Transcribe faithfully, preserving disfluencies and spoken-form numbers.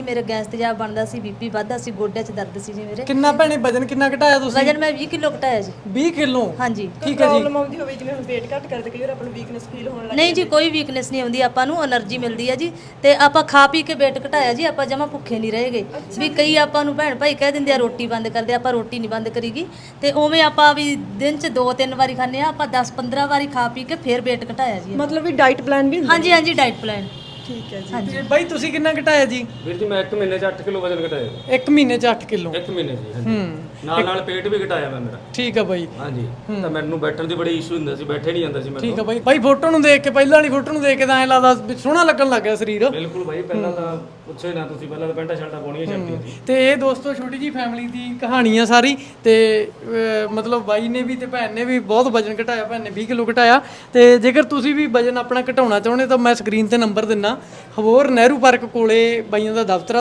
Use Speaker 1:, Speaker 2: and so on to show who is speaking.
Speaker 1: ਮੇਰੇ ਗੈਸ ਤੇਜ਼ਾਬ ਬਣਦਾ ਸੀ, ਬੀਪੀ ਵੱਧਦਾ ਸੀ, ਗੋਡਿਆਂ 'ਚ ਦਰਦ ਸੀ ਜੀ ਮੇਰੇ।
Speaker 2: ਕਿੰਨਾ ਭੈਣੇ ਵਜਨ ਕਿੰਨਾ ਘਟਾਇਆ ਤੁਸੀਂ?
Speaker 1: ਵਜਨ ਮੈਂ ਵੀਹ ਕਿਲੋ ਘਟਾਇਆ ਜੀ।
Speaker 2: ਵੀਹ ਕਿਲੋ?
Speaker 1: ਹਾਂਜੀ।
Speaker 2: ਠੀਕ ਹੈ ਜੀ।
Speaker 3: ਪ੍ਰੋਬਲਮ ਆਉਂਦੀ ਹੋਵੇ ਜਿਵੇਂ ਹੁਣ weight ਘੱਟ ਕਰਦੇ ਕਈ ਵਾਰ ਆਪਾਂ ਨੂੰ ਵੀਕਨੈਸ ਫੀਲ ਹੋਣ ਲੱਗ
Speaker 1: ਨਹੀਂ ਜੀ, ਕੋਈ ਵੀਕਨੈਸ ਨਹੀਂ ਆਉਂਦੀ, ਆਪਾਂ ਨੂੰ એનર્ਜੀ ਮਿਲਦੀ ਹੈ ਜੀ। ਤੇ ਆਪਾਂ ਖਾ ਪੀ ਕੇ weight ਘਟਾਇਆ ਜੀ, ਆਪਾਂ ਜਮਾ ਭੁੱਖੇ ਨਹੀਂ ਰਹੇਗੇ। ਵੀ ਕਈ ਆਪਾਂ ਨੂੰ ਭੈਣ ਭਾਈ ਕਹਿ ਦਿੰਦੇ ਆ ਰੋਟੀ ਬੰਦ ਕਰਦੇ, ਆਪਾਂ ਰੋਟੀ ਨਹੀਂ ਬੰਦ ਕਰੀਗੀ। ਤੇ ਉਵੇਂ ਆਪਾਂ ਵੀ ਦਿਨ 'ਚ ਦੋ ਤਿੰਨ ਵਾਰੀ ਖਾਂਦੇ ਆ, ਆਪਾਂ ਦਸ ਪੰਦਰਾਂ ਵਾਰੀ ਖਾ ਪੀ ਕੇ ਫਿਰ weight ਘਟਾਇਆ ਜੀ।
Speaker 3: ਮਤਲਬ ਵੀ ਡਾਈਟ ਪਲਾਨ ਵੀ ਹੁੰਦਾ?
Speaker 1: ਹਾਂਜੀ ਹਾਂਜੀ, ਡਾਈਟ ਪਲਾਨ।
Speaker 3: ਠੀਕ ਹੈ ਜੀ।
Speaker 2: ਤੇ ਬਾਈ ਤੁਸੀਂ ਕਿੰਨਾ ਘਟਾਇਆ ਜੀ?
Speaker 4: ਵੀਰ ਜੀ ਮੈਂ ਇੱਕ ਮਹੀਨੇ 'ਚ ਅੱਠ ਕਿਲੋ ਵਜਨ ਘਟਾਇਆ।
Speaker 2: ਇੱਕ ਮਹੀਨੇ 'ਚ ਅੱਠ ਕਿਲੋ?
Speaker 4: ਇੱਕ ਮਹੀਨੇ 'ਚ ਜੀ।
Speaker 2: ਹੂੰ।
Speaker 4: ਨਾਲ ਨਾਲ ਪੇਟ ਵੀ ਘਟਾਇਆ ਮੈਂ ਮੇਰਾ।
Speaker 2: ਠੀਕ ਆ ਬਾਈ।
Speaker 4: ਹਾਂਜੀ। ਤਾਂ ਮੈਨੂੰ ਬੈਠਣ ਦੀ ਬੜੀ ਇਸ਼ੂ ਹੁੰਦਾ ਸੀ, ਬੈਠੇ ਨਹੀਂ ਜਾਂਦਾ ਸੀ ਮੈਨੂੰ।
Speaker 2: ਠੀਕ ਆ ਬਾਈ। ਬਾਈ ਫੋਟੋ ਨੂੰ ਦੇਖ ਕੇ, ਪਹਿਲਾਂ ਵਾਲੀ ਫੋਟੋ ਨੂੰ ਦੇਖ ਕੇ ਤਾਂ ਐਂ ਲੱਗਦਾ ਵੀ ਸੋਹਣਾ ਲੱਗਣ ਲੱਗ ਗਿਆ ਸਰੀਰ।
Speaker 4: ਬਿਲਕੁਲ ਬਾਈ, ਪਹਿਲਾਂ ਤਾਂ ਪੁੱਛੋ ਹੀ ਨਾ ਤੁਸੀਂ, ਪਹਿਲਾਂ ਤਾਂ ਪੈਂਟਾ ਸ਼ਰਟਾਂ ਪਾਉਣੀਆਂ ਛੱਡਤੀਆਂ ਸੀ।
Speaker 2: ਤੇ ਇਹ ਦੋਸਤੋ ਛੋਟੀ ਜੀ ਫੈਮਿਲੀ ਦੀ ਕਹਾਣੀ ਆ ਸਾਰੀ। ਤੇ ਅਹ, ਮਤਲਬ ਬਾਈ ਨੇ ਵੀ ਤੇ ਭੈਣ ਨੇ ਵੀ ਬਹੁਤ ਵਜਨ ਘਟਾਇਆ, ਭੈਣ ਨੇ ਵੀਹ ਕਿਲੋ ਘਟਾਇਆ। ਤੇ ਜੇਕਰ ਤੁਸੀਂ ਵੀ ਵਜਨ ਆਪਣਾ ਘਟਾਉਣਾ ਚਾਹੁੰਦੇ ਤਾਂ ਮੈਂ ਸਕਰੀਨ ਤੇ ਨੰਬਰ ਦਿੰਨਾ, ਹਵੋਰ ਨਹਿਰੂ ਪਾਰਕ ਕੋਲੇ ਬਾਈਆਂ ਦਾ ਦਫ਼ਤਰ ਆ।